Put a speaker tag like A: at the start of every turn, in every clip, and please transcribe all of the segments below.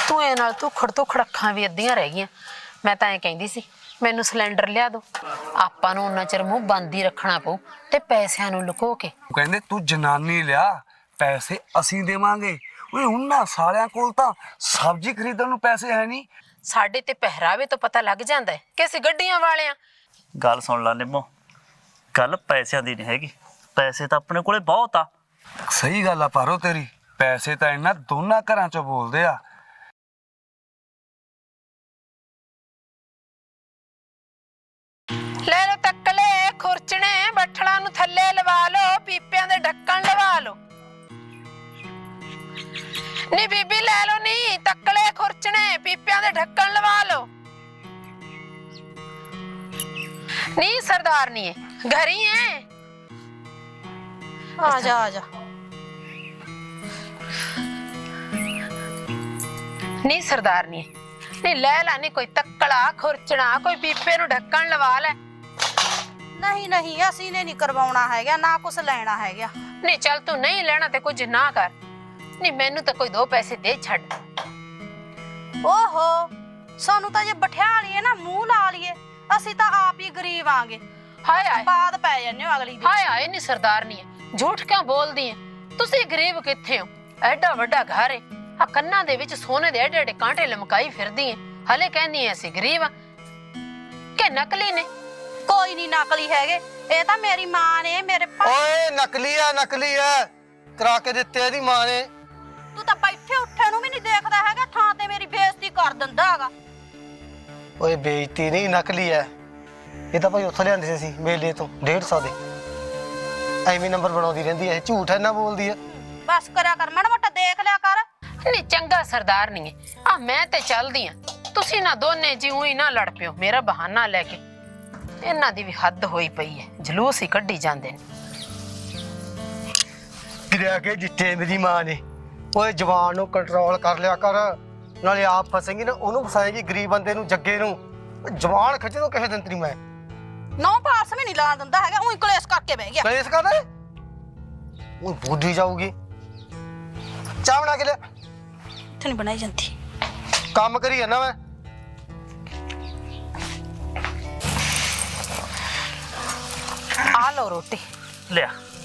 A: ਧੂਏ ਨਾਲ ਧੁਖੜ ਧੁਖੜ ਅੱਖਾਂ ਵੀ ਅੱਧੀਆਂ ਰਹਿ ਗਈਆਂ। ਮੈਂ ਤਾਂ ਐਂ ਕਹਿੰਦੀ ਸੀ ਮੈਨੂੰ ਸਿਲੰਡਰ ਲਿਆ ਦੋ। ਆਪਾਂ ਨੂੰ ਉਹਨਾਂ ਚਿਰ ਮੂੰਹ ਬੰਦ ਹੀ ਰੱਖਣਾ ਪਊ ਤੇ ਪੈਸਿਆਂ ਨੂੰ ਲੁਕੋ ਕੇ।
B: ਕਹਿੰਦੇ ਤੂੰ ਜਨਾਨੀ ਲਿਆ, ਪੈਸੇ ਅਸੀਂ ਦੇਵਾਂਗੇ। ਓਏ ਉਹਨਾਂ ਸਾਲਿਆਂ ਕੋਲ ਤਾਂ ਸਬਜ਼ੀ ਖਰੀਦਣ ਨੂੰ ਪੈਸੇ ਹੈ ਨਹੀਂ।
A: ਸਾਡੇ ਤੇ ਪਹਿਰਾਵੇ ਤੋਂ ਪਤਾ ਲੱਗ ਜਾਂਦਾ ਹੈ ਕਿ ਅਸੀਂ ਗੱਡੀਆਂ ਵਾਲਿਆਂ।
C: ਗੱਲ ਸੁਣ ਲਾ ਨਿੰਮੋ, ਗੱਲ ਪੈਸਿਆਂ ਦੀ ਨਹੀਂ ਹੈਗੀ। ਪੈਸੇ ਤਾਂ ਆਪਣੇ ਕੋਲੇ ਬਹੁਤ ਆ।
B: ਸਹੀ ਗੱਲ ਆ ਪਾਰੋ ਤੇਰੀ, ਪੈਸੇ ਤਾਂ ਇਹਨਾਂ ਦੋਨਾਂ ਘਰਾਂ ਚੋਂ ਬੋਲਦੇ ਆ।
A: ਲੈ ਲੋ ਤੱਕਲੇ ਖੁਰਚਣੇ, ਬੱਠਲਾਂ ਨੂੰ ਥੱਲੇ ਲਵਾ ਲੋ, ਪੀਪਿਆਂ ਦੇ ਢੱਕਣ ਲਵਾ ਲੋ। ਨੀ ਬੀਬੀ ਲੈ ਲੋ, ਨੀ ਤੱਕਲੇ ਖੁਰਚਣੇ, ਪੀਪਿਆਂ ਦੇ ਢੱਕਣ ਲਵਾ ਲੋ। ਨੀ ਸਰਦਾਰਨੀ ਘਰੀ ਹੈ?
D: ਆ ਜਾ ਆ ਜਾ।
A: ਨੀ ਸਰਦਾਰਨੀ ਨੀ ਲੈ ਲਾ, ਨੀ ਕੋਈ ਤੱਕਲਾ ਖੁਰਚਣਾ, ਕੋਈ ਪੀਪੇ ਨੂੰ ਢੱਕਣ ਲਵਾ ਲੈ।
D: ਨਹੀਂ ਨਹੀਂ, ਅਸੀਂ ਨੇ ਨਹੀਂ ਕਰਵਾਉਣਾ ਹੈਗਾ, ਨਾ ਕੁਛ ਲੈਣਾ ਹੈਗਾ।
A: ਨੀ ਚੱਲ ਤੂੰ ਨਹੀਂ ਲੈਣਾ ਤੇ ਕੁਝ ਨਾ ਕਰ। ਨੀ ਮੈਨੂੰ ਤਾਂ ਕੋਈ 2 ਪੈਸੇ ਦੇ ਛੱਡ।
D: ਓਹੋ, ਸਾਨੂੰ ਤਾਂ ਜੇ ਬਠਿਆ ਲਈਏ ਨਾ, ਮੂੰਹ ਲਾ ਲਈਏ, ਅਸੀਂ ਤਾਂ ਆਪ ਹੀ ਗਰੀਬ ਆਂਗੇ।
A: ਹਾਏ ਹਾਏ
D: ਬਾਦ ਪੈ ਜਾਂਦੇ ਹੋ ਅਗਲੀ ਦੀ।
A: ਹਾਏ ਹਾਏ ਨੀ ਸਰਦਾਰਨੀ ਝੂਠ ਕਿਉਂ ਬੋਲਦੀ ਹੈ? ਤੁਸੀਂ ਗਰੀਬ ਕਿੱਥੇ ਹੋ? ਐਡਾ ਵੱਡਾ ਘਰ ਹੈ, ਆ ਕੰਨਾਂ ਦੇ ਵਿੱਚ ਸੋਨੇ ਦੇ ਐਡੇ ਐਡੇ ਕਾਂਟੇ ਲਮਕਾਈ ਫਿਰਦੀ ਹੈ, ਹਲੇ ਕਹਿੰਦੀ ਐ ਅਸੀਂ ਗਰੀਬ ਆ ਕਿ ਨਕਲੀ ਨੇ?
D: ਕੋਈ ਨਹੀਂ ਨਕਲੀ ਹੈਗੇ, ਇਹ ਤਾਂ ਮੇਰੀ ਮਾਂ ਨੇ ਮੇਰੇ
E: ਓਏ ਨਕਲੀ ਆ ਕਰਾ ਕੇ ਦਿੱਤੇ ਇਹਦੀ ਮਾਂ ਨੇ।
D: ਤੂੰ ਤਾਂ ਬੈਠੇ ਉੱਠੇ ਨੂੰ ਵੀ ਨਹੀਂ ਦੇਖਦਾ ਹੈਗਾ, ਥਾਂ ਤੇ ਮੇਰੀ ਬੇਇੱਜ਼ਤੀ ਕਰ ਦਿੰਦਾ ਹੈਗਾ।
E: ਓਏ ਬੇਇੱਜ਼ਤੀ ਨਹੀਂ, ਨਕਲੀ ਐ ਇਹ ਤਾਂ ਭਾਈ ਉੱਥੋਂ ਲਿਆਂਦੇ ਸੀ ਅਸੀਂ ਮੇਲੇ ਤੋਂ 150 ਦੇ। ਐਵੇਂ ਨੰਬਰ ਬਣਾਉਂਦੀ ਰਹਿੰਦੀ ਐ, ਝੂਠ ਇੰਨਾ ਬੋਲਦੀ ਐ।
D: ਬਸ ਕਰਿਆ ਕਰ, ਮਾੜਾ ਮੋਟਾ ਦੇਖ ਲਿਆ ਕਰ।
A: ਨਹੀਂ ਚੰਗਾ ਸਰਦਾਰਨੀ ਆ, ਮੈਂ ਤੇ ਚੱਲਦੀ ਆ, ਤੁਸੀਂ ਨਾ ਦੋਨੇ ਜੀ ਉਹੀ ਨਾ ਲੜ ਪਿਓ ਮੇਰਾ ਬਹਾਨਾ ਲੈ ਕੇ। ਇਹਨਾਂ ਦੀ ਵੀ ਹੱਦ ਹੋਈ ਪਈ ਹੈ, ਜਲੂਸ ਹੀ ਕੱਢੀ ਜਾਂਦੇ ਨੇ।
E: ਗਿਰਿਆ ਕੇ ਜਿੱਤੇ ਮੇਰੀ ਮਾਂ ਨੇ। ਓਏ ਜਵਾਨ ਨੂੰ ਕੰਟਰੋਲ ਕਰ ਲਿਆ ਕਰ, ਨਾਲੇ ਆਪ ਫਸੇਂਗੀ ਨਾ ਉਹਨੂੰ ਫਸਾਏਗੀ, ਗਰੀਬ ਬੰਦੇ ਨੂੰ, ਜੱਗੇ ਨੂੰ। ਜਵਾਨ ਖਿੱਚ ਦੋ ਕਿਸੇ ਦਿਨ ਤੇਰੀ ਮੈਂ।
D: ਨੌ ਪਾਸ ਵੀ ਨਹੀਂ ਲਾ ਦਿੰਦਾ ਹੈਗਾ, ਉਹੀ ਕਲੇਸ਼ ਕਰਕੇ ਬਹਿ ਗਿਆ।
E: ਕਲੇਸ਼ ਕਰਦਾ ਉਹ ਬੁੱਢੀ ਜਾਊਗੀ। ਚਾਹ ਬਣਾ ਕੇ ਲਿਆ।
D: ਇੱਥੇ ਨਹੀਂ ਬਣਾਈ ਜਾਂਦੀ।
E: ਕੰਮ ਕਰੀ ਜਾਂਦਾ ਮੈਂ।
A: ਆ ਲਓ ਰੋਟੀ
C: ਲਿਆ।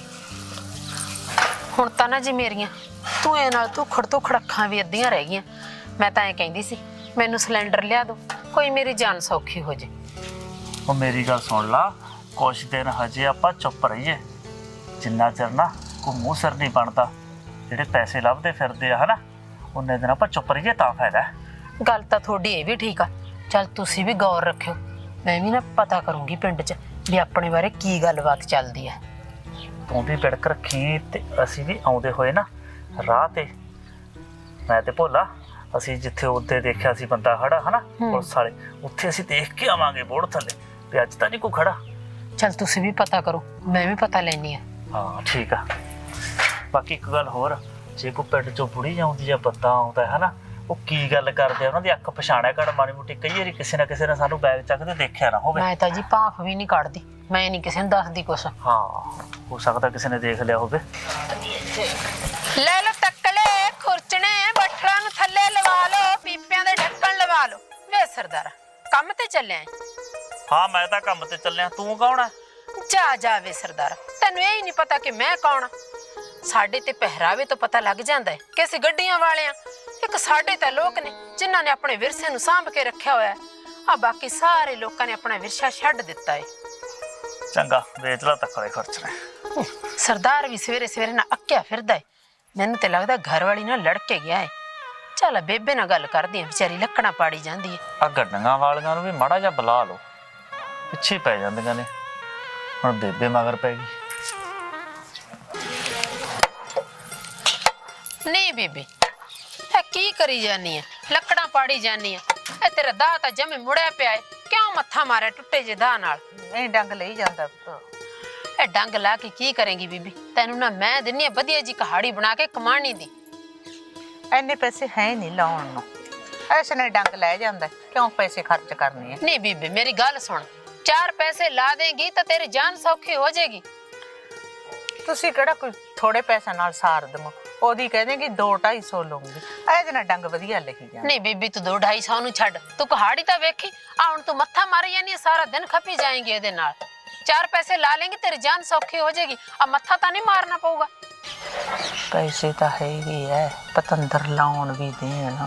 A: ਹੁਣ ਤਾਂ ਨਾ ਜੀ ਮੇਰੀਆਂ ਧੂਏ ਨਾਲ ਧੁਖੜ ਧੁਖੜ ਅੱਖਾਂ ਵੀ ਅੱਧੀਆਂ ਰਹਿ ਗਈਆਂ। ਮੈਂ ਤਾਂ ਐਂ ਕਹਿੰਦੀ ਸੀ ਮੈਨੂੰ ਸਿਲੰਡਰ ਲਿਆ ਦੋ, ਕੋਈ ਮੇਰੀ ਜਾਨ ਸੌਖੀ ਹੋ ਜੇ।
C: ਉਹ ਮੇਰੀ ਗੱਲ ਸੁਣ ਲਾ, ਕੁਛ ਦਿਨ ਹਜੇ ਆਪਾਂ ਚੁੱਪ ਰਹੀਏ, ਜਿੰਨਾ ਚਿਰ ਨਾ ਕੋਈ ਮੂੰਹ ਸਿਰ ਨਹੀਂ ਬਣਦਾ, ਜਿਹੜੇ ਪੈਸੇ ਲੱਭਦੇ ਫਿਰਦੇ ਆ ਹਨਾ, ਉਹਨੇ ਦਿਨ ਆਪਾਂ ਚੁੱਪ ਰਹੀਏ ਤਾਂ ਫਾਇਦਾ।
A: ਗੱਲ ਤਾਂ ਤੁਹਾਡੀ ਇਹ ਵੀ ਠੀਕ ਆ, ਚੱਲ ਤੁਸੀਂ ਵੀ ਗੌਰ ਰੱਖਿਓ, ਮੈਂ ਵੀ ਨਾ ਪਤਾ ਕਰੂੰਗੀ ਪਿੰਡ 'ਚ ਵੀ ਆਪਣੇ ਬਾਰੇ ਕੀ ਗੱਲਬਾਤ ਚੱਲਦੀ ਹੈ।
C: ਤੂੰ ਵੀ ਬਿੜਕ ਰੱਖੀ ਤੇ ਅਸੀਂ ਵੀ ਆਉਂਦੇ ਹੋਏ ਨਾ ਰਾਹ ਤੇ, ਮੈਂ ਤੇ ਭੋਲਾ ਅਸੀਂ ਜਿੱਥੇ ਉੱਤੇ ਦੇਖਿਆ ਸੀ ਬੰਦਾ ਖੜਾ ਹਨਾ ਪੁਲਿਸ ਵਾਲੇ, ਉੱਥੇ ਅਸੀਂ ਦੇਖ ਕੇ ਆਵਾਂਗੇ ਬੋਰਡ ਥੱਲੇ ਵੀ ਅੱਜ ਤਾਂ ਨਹੀਂ ਕੋਈ ਖੜਾ।
A: ਚੱਲ ਤੁਸੀਂ ਵੀ ਪਤਾ ਕਰੋ, ਮੈਂ ਵੀ ਪਤਾ ਲੈਣੀ ਆ।
C: ਹਾਂ ਠੀਕ ਆ। ਬਾਕੀ ਇੱਕ ਗੱਲ ਹੋਰ, ਜੇ ਕੋਈ ਪਿੰਡ ਚੋਂ ਬੁੜੀ ਆਉਂਦੀ ਜਾਂ ਬੰਦਾ ਆਉਂਦਾ ਹੈ ਨਾ, ਉਹ ਕੀ ਗੱਲ ਕਰਦੇ ਆ, ਉਹਨਾਂ ਦੀ ਅੱਖ ਪਛਾਣਿਆ ਕਰ ਮਾੜੀ ਮੋਟੀ। ਕਈ ਵਾਰੀ ਕਿਸੇ ਨਾ ਕਿਸੇ ਨੇ ਸਾਨੂੰ ਬੈਗ ਚੱਕਦੇ ਦੇਖਿਆ ਨਾ ਹੋਵੇ।
A: ਮੈਂ ਤਾਂ ਜੀ ਭਾਫ ਵੀ ਨਹੀਂ ਕੱਢਦੀ, ਮੈਂ ਨਹੀਂ ਕਿਸੇ ਨੂੰ ਦੱਸਦੀ ਕੁਛ।
C: ਹਾਂ ਹੋ ਸਕਦਾ ਕਿਸੇ ਨੇ ਦੇਖ ਲਿਆ ਹੋਵੇ।
A: ਲੈ ਲੋ ਤੱਕਲੇ ਖੁਰਚਣੇ, ਬੱਠਲਾਂ ਨੂੰ ਥੱਲੇ ਲਵਾ ਲੋ, ਪੀਪਿਆਂ ਦੇ ਢੱਕਣ ਲਵਾ ਲੋ। ਵੇ ਸਰਦਾਰਾ ਕੰਮ ਤੇ ਚੱਲਿਆ ਏ?
C: ਹਾਂ ਮੈਂ ਤਾਂ ਕੰਮ ਤੇ ਚੱਲਿਆ, ਤੂੰ ਕੌਣ ਹੈ?
A: ਜਾ ਜਾ ਵੇ ਸਰਦਾਰਾ, ਤੈਨੂੰ ਇਹ ਹੀ ਨਹੀਂ ਪਤਾ ਕਿ ਮੈਂ ਕੌਣ ਆ? ਸਾਡੇ ਤੇ ਪਹਿਰਾਵੇ ਤੋਂ ਪਤਾ ਲੱਗ ਜਾਂਦਾ ਹੈ ਕਿ ਅਸੀਂ ਗੱਡੀਆਂ ਵਾਲੇ ਆ। ਇੱਕ ਸਾਡੇ ਤਾਂ ਲੋਕ ਨੇ ਜਿਨ੍ਹਾਂ ਨੇ ਆਪਣੇ ਵਿਰਸੇ ਨੂੰ ਸਾਂਭ ਕੇ ਰੱਖਿਆ ਹੋਇਆ ਹੈ, ਆ ਬਾਕੀ ਸਾਰੇ ਲੋਕਾਂ ਨੇ ਆਪਣਾ ਵਿਰਸਾ ਛੱਡ ਦਿੱਤਾ ਹੈ।
C: ਚੰਗਾ ਵੇਚ ਲਾ ਤੱਕਲੇ ਖਰਚਣੇ।
A: ਸਰਦਾਰ ਵੀ ਸਵੇਰੇ ਸਵੇਰੇ ਨਾ ਅੱਕਿਆ ਫਿਰਦਾ ਹੈ, ਮੈਨੂੰ ਤੇ ਲੱਗਦਾ ਘਰ ਵਾਲੀ ਨਾਲ ਲੜ ਕੇ ਗਿਆ ਹੈ। ਚੱਲ ਬੇਬੇ ਨਾਲ ਗੱਲ ਕਰਦੀ ਆ, ਵਿਚਾਰੀ ਲੱਕੜਾਂ ਪਾੜੀ ਜਾਂਦੀ ਹੈ।
C: ਆ ਗੱਡੀਆਂ ਵਾਲੀਆਂ ਨੂੰ ਵੀ ਮਾੜਾ ਜਿਹਾ ਬੁਲਾ ਲਓ, ਪਿੱਛੇ ਪੈ ਜਾਂਦੀਆਂ ਨੇ। ਹੁਣ ਬੇਬੇ ਮਗਰ ਪੈ ਗਈ।
A: ਨਹੀਂ ਬੀਬੀ ਇਹ ਕੀ ਕਰੀ ਜਾਨੀ ਆ, ਲੱਕੜਾਂ ਪਾੜੀ ਜਾਨੀ ਆ? ਇਹ ਤੇਰਾ ਦਾਹ ਤਾਂ ਜਮੇ ਮੁੜਿਆ ਪਿਆ ਹੈ, ਕਿਉਂ ਮੱਥਾ ਮਾਰਿਆ ਟੁੱਟੇ ਜੇ ਦਾਹ ਨਾਲ?
F: ਨਹੀਂ ਡੰਗ ਲਈ ਜਾਂਦਾ।
A: ਇਹ ਡੰਗ ਲਾ ਕੇ ਕੀ ਕਰੇਂਗੀ ਬੀਬੀ? ਤੈਨੂੰ ਨਾ ਮੈਂ ਦਿੰਨੀ ਆ ਵਧੀਆ ਜੀ ਕਹਾੜੀ ਬਣਾ ਕੇ ਕਮਾਣੀ ਦੀ।
F: ਐਨੇ ਪੈਸੇ ਹੈ ਨਹੀਂ ਲਾਉਣ ਨੂੰ, ਐਸੇ ਨੇ ਡੰਗ ਲੈ ਜਾਂਦਾ, ਕਿਉਂ ਪੈਸੇ ਖਰਚ ਕਰਨੇ ਆ?
A: ਨਹੀਂ ਬੀਬੀ ਮੇਰੀ ਗੱਲ ਸੁਣ, 4 ਪੈਸੇ ਲਾ ਦੇਂਗੀ ਤਾਂ ਤੇਰੀ ਜਾਨ ਸੌਖੀ ਹੋ ਜਾਏਗੀ।
F: ਤੁਸੀਂ ਕਿਹੜਾ ਕੋਈ ਥੋੜੇ ਪੈਸਿਆਂ ਨਾਲ ਸਾਰ ਦਵਾਂ। ਉਹਦੀ ਕਹਿੰਦੇ ਕਿ 2-250 ਲਊਂਗੀ। ਇਹਦੇ ਨਾਲ ਡੰਗ ਵਧੀਆ ਲਿਖੀ ਜਾਂਦਾ।
A: ਨਹੀਂ ਬੀਬੀ ਤੂੰ 2-250 ਨੂੰ ਛੱਡ, ਤੂੰ ਕਹਾੜੀ ਤਾਂ ਵੇਖੀ ਆ ਹੁਣ ਤੂੰ ਮੱਥਾ ਮਾਰੀ ਜਾਨੀ ਹੈ, ਸਾਰਾ ਦਿਨ ਖਪੀ ਜਾਏਂਗੀ ਇਹਦੇ ਨਾਲ। 4 ਪੈਸੇ ਲਾ लेंगी तेरी जान सौखी हो जाएगी। अब मत्था तो नहीं मारना पऊगा।
F: ਪੈਸੇ ਤਾਂ ਹੈਗੇ ਐ, ਪਤੰਦਰ ਲਾਉਣ ਵੀ ਦੇਣ।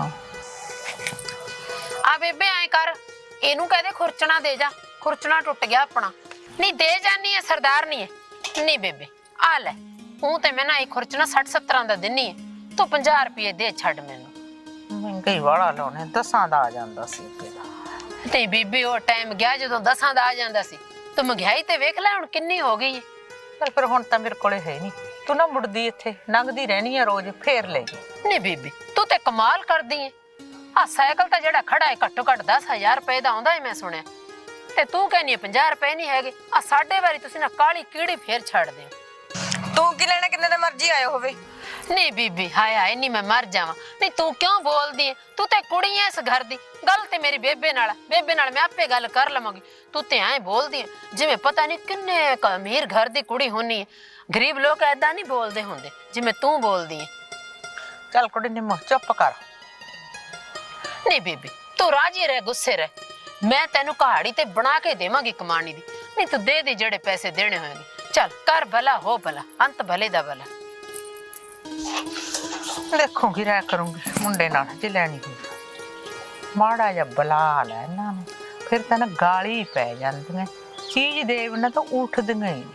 A: आ बेबे ऐ कर, इनू कह दे खुरचना दे जा, खुरचना टुट गया अपना। नहीं दे जानी है सरदार नहीं है। नहीं बेबे आ ले, हूं ते मैं ना एक खुरचना 60-70 दा दिन्नी है, तू 50 रुपये दे छड़ मैनू।
F: ਮਹਿੰਗਾਈ ਵਾਲਾ ਲਾਉਣੇ 10 ਦਾ ਆ ਜਾਂਦਾ ਸੀ ਅੱਗੇ ਦਾ।
A: ते बीबी वो टाइम गया जदों 10 दा आ जांदा सी। तू महंगाई ते वेख ले हुण किन्नी हो गई है।
F: ਪਰ ਫਿਰ ਹੁਣ ਤਾਂ ਮੇਰੇ ਕੋਲੇ ਹੈ ਨਹੀਂ। ਤੂੰ ਨਾ ਮੁੜਦੀ ਇੱਥੇ ਲੰਘਦੀ ਰਹਿਣੀ ਆ ਰੋਜ਼, ਫੇਰ ਲੈ ਜੀ।
A: नहीं बीबी तू ते कमाल कर दी है। आ साइकिल ता जेड़ा खड़ा है घट्टो घट 10,000 रुपए दा आउंदा है, मैं सुनिया। ते तू कहनी है 50 रुपए नहीं हैगे। आ साडे वारी तुसी ना काली कीड़ी फेर छड़ दे।
G: ਤੂੰ ਕੀ ਲੈਣਾ, ਕਿੰਨੇ ਦਾ ਮਰਜ਼ੀ ਆਇਆ ਹੋਵੇ।
A: नहीं बीबी हाय हाय नहीं मैं मर जावा। नहीं तू क्यों बोल दी है? तू ते कुड़ी है इस घर दी। गल ते मेरी बेबे नाल मैं आपे गल कर लवांगी। तू ते ऐ बोल दी है जिवें पता नहीं किन्ने अमीर घर दी कुड़ी होनी है। गरीब लोग ऐदा नहीं बोलदे हुंदे जिवें तू बोलदी है।
F: ਚੱਲ ਕੁੜੀ ਨਿੰਮੋ ਚੁੱਪ ਕਰ।
A: नहीं बीबी तू राजी रह, गुस्से रह। मैं तेनू कहाड़ी ते बना के देवांगी कमानी दी। नहीं तू दे दे जेड़े पैसे देने होंगे। चल कर भला हो भला, अंत भले दा भला।
F: ਦੇਖੂਗੀ ਰਹਿ ਕਰੂੰਗੀ ਮੁੰਡੇ ਨਾਲ ਜੇ ਲੈਣੀ ਹੋਈ। ਮਾੜਾ ਜਿਹਾ ਬੁਲਾ ਲੈ ਇਹਨਾਂ ਨੂੰ, ਫਿਰ ਤਾਂ ਨਾ ਗਾਲੀ ਪੈ ਜਾਂਦੀਆਂ। ਚੀਜ਼ ਦੇਵ ਨਾ ਤਾਂ ਉੱਠਦੀਆਂ ਹੀ।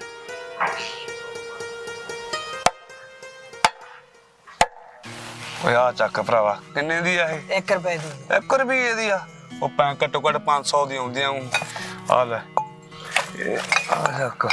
B: ਓਏ ਆ ਚੱਕ ਭਰਾਵਾ, ਕਿੰਨੇ ਦੀ ਆ ਇਹ?
G: 1 ਰੁਪਏ ਦੀ।
B: 1 ਰੁਪਏ ਦੀ ਆ? ਉਹ ਪੈ ਘੱਟੋ ਘੱਟ 500 ਦੀ ਆਉਂਦੀਆਂ ਹੂੰ। ਆ ਲੈ ਇਹ ਆ ਚੱਕ।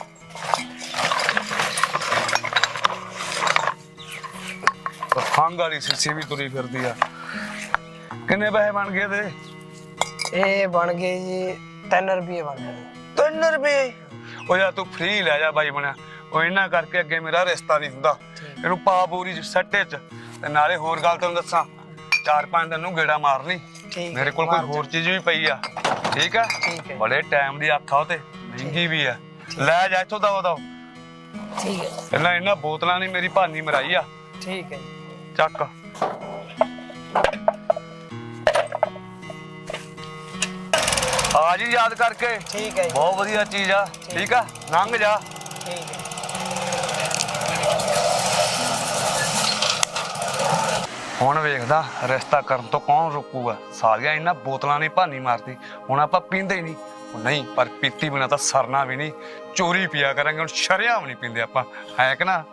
B: ਖੰਗ ਵਾਲੀ ਸਿੱਸੀ ਵੀ ਤੁਰੀ ਫਿਰਦੀ ਆ। ਕਿੰਨੇ ਪੈਸੇ ਬਣ ਗਏ ਤੇ?
G: ਇਹ ਬਣ ਗਏ ਜੀ 3 ਰੁਪਏ ਬਣ ਗਏ।
B: 3 ਰੁਪਏ? ਉਹ ਯਾਰ ਤੂੰ ਫ੍ਰੀ ਲੈ ਜਾ ਬਾਈ ਬਣਿਆ। ਉਹ ਇਹਨਾਂ ਕਰਕੇ ਅੱਗੇ ਮੇਰਾ ਰਿਸ਼ਤਾ ਨਹੀਂ ਹੁੰਦਾ। ਇਹਨੂੰ ਪਾ ਪੂਰੀ ਸੱਟੇ ਚ। ਤੇ ਨਾਲੇ ਹੋਰ ਗੱਲ ਤੈਨੂੰ ਦੱਸਾਂ, 4-5 ਦਿਨ ਨੂੰ ਗੇੜਾ ਮਾਰਨੀ। ਮੇਰੇ ਕੋਲ ਕੋਈ ਹੋਰ ਚੀਜ਼ ਵੀ ਪਈ ਆ। ਠੀਕ ਆ? ਬੜੇ ਟਾਈਮ ਦੀ ਆਖਾ ਉਹ ਤੇ ਮਹਿੰਗੀ ਵੀ ਆ। ਲੈ ਜਾ ਇੱਥੋਂ ਦਵਾ।
G: ਠੀਕ ਹੈ
B: ਇਹਨਾਂ ਬੋਤਲਾਂ ਨੇ ਮੇਰੀ ਭਾਨੀ ਮਰਾਈ ਆ।
G: ਠੀਕ ਹੈ
B: ਚੱਕ। ਆ ਜੀ ਯਾਦ ਕਰਕੇ।
G: ਠੀਕ ਹੈ
B: ਬਹੁਤ ਵਧੀਆ ਚੀਜ਼ ਆ। ਠੀਕ ਆ, ਲੰਘ ਜਾ।
G: ਠੀਕ ਹੈ।
B: ਹੁਣ ਵੇਖਦਾ ਰਿਸ਼ਤਾ ਕਰਨ ਤੋਂ ਕੌਣ ਰੋਕੂਗਾ। ਸਾਰੀਆਂ ਇਹਨਾਂ ਬੋਤਲਾਂ ਨੇ ਭਾਨੀ ਮਾਰਤੀ। ਹੁਣ ਆਪਾਂ ਪੀਂਦੇ ਹੀ ਨਹੀਂ। ਨਹੀਂ ਪਰ ਪੀਤੀ ਬਿਨਾ ਤਾਂ ਸਰਨਾ ਵੀ ਨਹੀਂ। ਚੋਰੀ ਪੀਆ ਕਰਾਂਗੇ। ਹੁਣ ਸ਼ਰਿਆਮ ਨਹੀਂ ਪੀਂਦੇ ਆਪਾਂ, ਹੈ ਕਿ ਨਾ?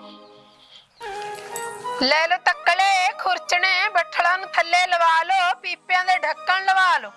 A: ले लो तक्कले खुरचने, बठड़ा नु थल्ले लवा लो, पीपियां दे ढक्कन लवा लो।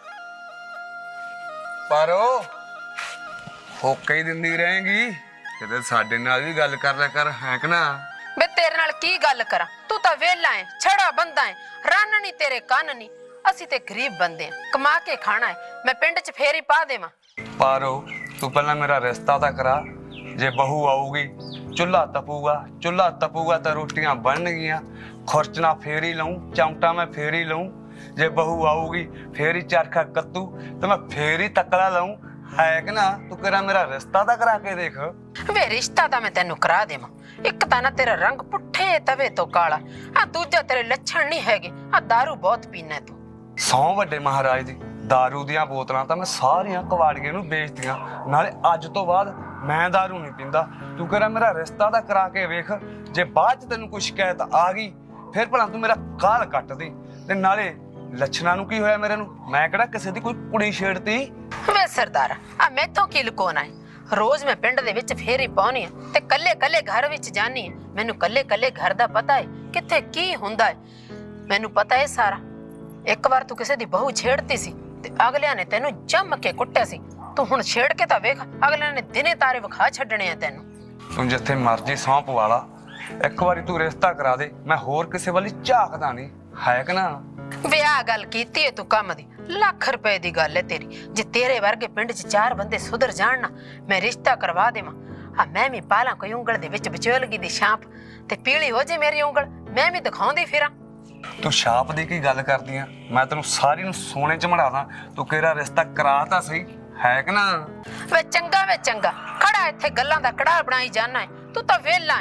B: ਪਰ ਉਹ ਹੋਕੇ ਹੀ ਦਿੰਦੀ ਰਹੇਗੀ। ਕਿਤੇ ਸਾਡੇ ਨਾਲ ਵੀ ਗੱਲ ਕਰ ਲਿਆ ਕਰ, ਹੈ ਕਿ ਨਾ?
A: बे तेरे नाल की गल करा? तू तां वेला है, छड़ा बंदा है, रन नहीं तेरे कन नहीं। ਅਸੀਂ ਤੇ ਗਰੀਬ ਬੰਦੇ ਆ, ਕਮਾ ਕੇ ਖਾਣਾ ਹੈ। ਮੈਂ ਪਿੰਡ 'ਚ ਫੇਰ ਹੀ ਪਾ ਦੇਵਾਂ।
B: ਪਾਰੋ ਤੂੰ ਪਹਿਲਾਂ ਮੇਰਾ ਰਿਸ਼ਤਾ ਤਾਂ ਕਰਾ। ਜੇ ਬਹੂ ਆਊਗੀ ਚੁੱਲ੍ਹਾ ਤਪੂਗਾ ਤਾਂ ਰੋਟੀਆਂ ਬਣਨਗੀਆਂ। ਖੁਰਚਣਾ ਫੇਰ ਹੀ ਲਊਂ, ਚਮਟਾ ਮੈਂ ਫੇਰ ਹੀ ਲਊਂ। ਜੇ ਬਹੂ ਆਊਗੀ ਫੇਰ ਹੀ ਚਰਖਾ ਕੱਤੂ ਤੇ ਮੈਂ ਫੇਰ ਹੀ ਤਕਲਾ ਲਊਂ, ਹੈ ਕਿ ਨਾ? ਤੂੰ ਕਿਹੜਾ ਮੇਰਾ ਰਿਸ਼ਤਾ ਤਾਂ ਕਰਾ ਕੇ ਦੇਖ।
A: ਵੇ ਰਿਸ਼ਤਾ ਤਾਂ ਮੈਂ ਤੈਨੂੰ ਕਰਾ ਦੇਵਾਂ। ਇੱਕ ਤਾਂ ਨਾ ਤੇਰਾ ਰੰਗ ਪੁੱਠੇ ਤਵੇ ਤੋਂ ਕਾਲਾ, ਆ ਦੂਜਾ ਤੇਰੇ ਲੱਛਣ ਨਹੀਂ ਹੈਗੇ। ਆ ਦਾਰੂ ਬਹੁਤ ਪੀਨਾ ਤੂੰ।
B: ਸੌ ਵੱਡੇ ਮਹਾਰਾਜ ਦੀ ਦਾਰੂ ਦੀਆਂ ਬੋਤਲਾਂ ਤਾਂ ਮੈਂ ਸਾਰੀਆਂ ਕਵਾੜੀਏ ਨੂੰ ਵੇਚਤੀਆਂ। ਨਾਲੇ ਅੱਜ ਤੋਂ ਬਾਅਦ ਮੈਂ ਦਾਰੂ ਨਹੀਂ ਪੀਂਦਾ। ਤੂੰ ਕਿਹੜਾ ਮੇਰਾ ਰਿਸ਼ਤਾ ਤਾਂ ਕਰਾ ਕੇ ਵੇਖ। ਜੇ ਬਾਅਦ ਚ ਤੈਨੂੰ ਕੋਈ ਸ਼ਿਕਾਇਤ ਆ ਗਈ ਫਿਰ ਭਲਾ ਤੂੰ ਮੇਰਾ ਕਾਲ ਕੱਟ ਦੇ। ਤੇ ਨਾਲੇ ਲੱਛਣਾਂ ਨੂੰ ਕੀ ਹੋਇਆ ਮੇਰੇ ਨੂੰ? ਮੈਂ ਕਿਹੜਾ ਕਿਸੇ ਦੀ ਕੋਈ ਕੁੜੀ ਛੇੜਤੀ?
A: ਵੇ ਸਰਦਾਰ ਆ ਮੈਥੋਂ ਕੀ ਲੁਕੋਣਾ ਹੈ? ਰੋਜ਼ ਮੈਂ ਪਿੰਡ ਦੇ ਵਿੱਚ ਫੇਰ ਹੀ ਪਾਉਣੀ ਆ ਤੇ ਕੱਲੇ ਘਰ ਵਿੱਚ ਜਾਣੀ ਆ। ਮੈਨੂੰ ਕੱਲੇ ਘਰ ਦਾ ਪਤਾ ਹੈ, ਕਿੱਥੇ ਕੀ ਹੁੰਦਾ ਹੈ ਮੈਨੂੰ ਪਤਾ ਹੈ ਸਾਰਾ। ਇੱਕ ਵਾਰ ਤੂੰ ਕਿਸੇ ਦੀ ਬਹੂ ਛੇੜਤੀ ਸੀ ਤੇ ਅਗਲਿਆਂ ਨੇ ਤੈਨੂੰ ਜੰਮ ਕੇ ਕੁੱਟਿਆ ਸੀ। ਤੂੰ ਹੁਣ ਛੇੜ ਕੇ ਤਾਂ ਵੇਖ, ਅਗਲਿਆਂ ਨੇ ਦਿਨੇ ਤਾਰੇ ਵਿਖਾ ਛੱਡਣੇ ਆ ਤੈਨੂੰ।
B: ਤੂੰ ਜਿੱਥੇ ਮਰਜੀ ਸੌਂ ਪਵਾ ਲਾ। ਇੱਕ ਵਾਰੀ ਤੂੰ ਰਿਸ਼ਤਾ ਕਰਾ ਦੇ, ਮੈਂ ਹੋਰ ਕਿਸੇ ਵੱਲ ਝਾਕਦਾ ਨਹੀਂ, ਹੈ ਕਿ ਨਾ?
A: ਵੇ ਆ ਗੱਲ ਕੀਤੀ ਏ ਤੂੰ ਕੰਮ ਦੀ। ਲੱਖ ਰੁਪਏ ਦੀ ਗੱਲ ਹੈ ਤੇਰੀ। ਜੇ ਤੇਰੇ ਵਰਗੇ ਪਿੰਡ 'ਚ 4 ਬੰਦੇ ਸੁਧਰ ਜਾਣ ਨਾ, ਮੈਂ ਰਿਸ਼ਤਾ ਕਰਵਾ ਦੇਵਾਂ। ਆ ਮੈਂ ਵੀ ਪਾਲਾਂ ਕੋਈ ਉਂਗਲ ਦੇ ਵਿੱਚ ਵਿਚੋਲਗੀ ਦੀ ਛਾਪ ਤੇ ਪੀਲੀ ਹੋ ਜੇ ਮੇਰੀ ਉਂਗਲ, ਮੈਂ ਵੀ ਦਿਖਾਉਂਦੀ ਫਿਰਾਂ।
B: ਤੂੰ ਛਾਪ ਦੀ ਕੀ ਗੱਲ ਕਰਦੀ ਆ? ਮੈਂ ਤੈਨੂੰ ਸਾਰੀ ਨੂੰ ਸੋਨੇ 'ਚ ਮੜਾਦਾ। ਤੂੰ ਕਿਹੜਾ ਰਿਸ਼ਤਾ ਕਰਾ ਤਾਂ ਸਹੀ, ਹੈ ਕਿ ਨਾ?
A: ਵੇ ਚੰਗਾ ਖੜਾ ਇੱਥੇ ਗੱਲਾਂ ਦਾ ਕੜਾਹ ਬਣਾਈ ਜਾਣਾ ਹੈ। ਤੂੰ ਤਾਂ ਵਿਹਲਾ ਹੈ,